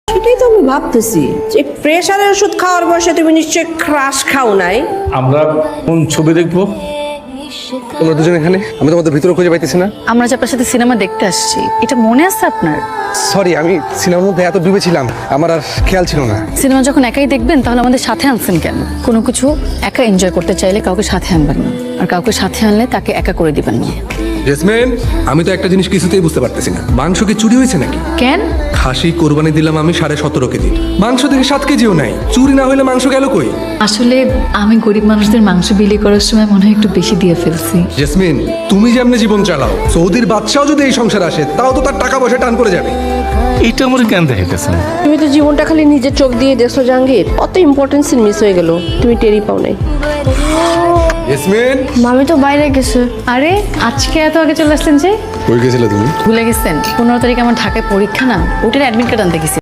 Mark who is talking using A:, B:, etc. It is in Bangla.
A: সেটাই তো আমি ভাবতেছি যে প্রেশারের ওষুধ খাওয়ার বয়সে তুমি নিশ্চয়ই ক্রাশ খাও নাই।
B: আমরা কোন ছবি দেখবো?
C: তোমরা দুজন এখানে, আমি তোমাদের ভিতরে খুঁজে পাইতেছি না।
D: আমরা যে আপনার সাথে সিনেমা দেখতে আসছি, এটা মনে আছে আপনার?
C: সরি, আমি সিনেমার মধ্যে এত ডুবেছিলাম, আমার আর খেয়াল ছিল না।
D: সিনেমা যখন একাই দেখবেন তাহলে আমাদের সাথে আনছেন কেন? কোনো কিছু একা এনজয় করতে চাইলে কাউকে সাথে আনবেন না, আর কাউকে সাথে আনলে তাকে একা করে দিবেন না।
E: জেসমিন, আমি তো একটা জিনিস কিছুতেই বুঝতে পারতেছি না, মাংস কি চুরি হয়েছে নাকি?
D: কেন?
E: খাসি কোরবানি দিলাম আমি 17.5 কেজি, মাংস থেকে 7 কেজিও নাই। চুরি না হলে মাংস গেল কই?
F: আসলে আমি গরিব মানুষদের মাংস বিলি করার সময় মনে হয় একটু বেশি দিয়ে ফেলছি।
E: জেসমিন, তুমি যেমনি জীবন চালাও, সৌদির বাদশাও যদি এই সংসার আসে তাও তো তার টাকা পয়সা টান করে যাবে।
B: এইটা আমার কেন দেখাইতেছেন?
A: তুমি তো জীবনটা খালি নিজের চোখ দিয়ে দেখছো জাহাঙ্গীর, অত ইম্পর্টেন্ট সিন মিস হয়ে গেল, তুমি টেরই পাও নাই।
E: জেসমিন,
D: মামি তো বাইরে গেছে। আরে আজকে এত আগে চলে আসলেন যে?
C: কই গেছিলে তুমি?
D: ভুলে গেছেন 15 তারিখ আমার ঢাকায় পরীক্ষা না, ওটার অ্যাডমিট কার্ড আনতে গেছি।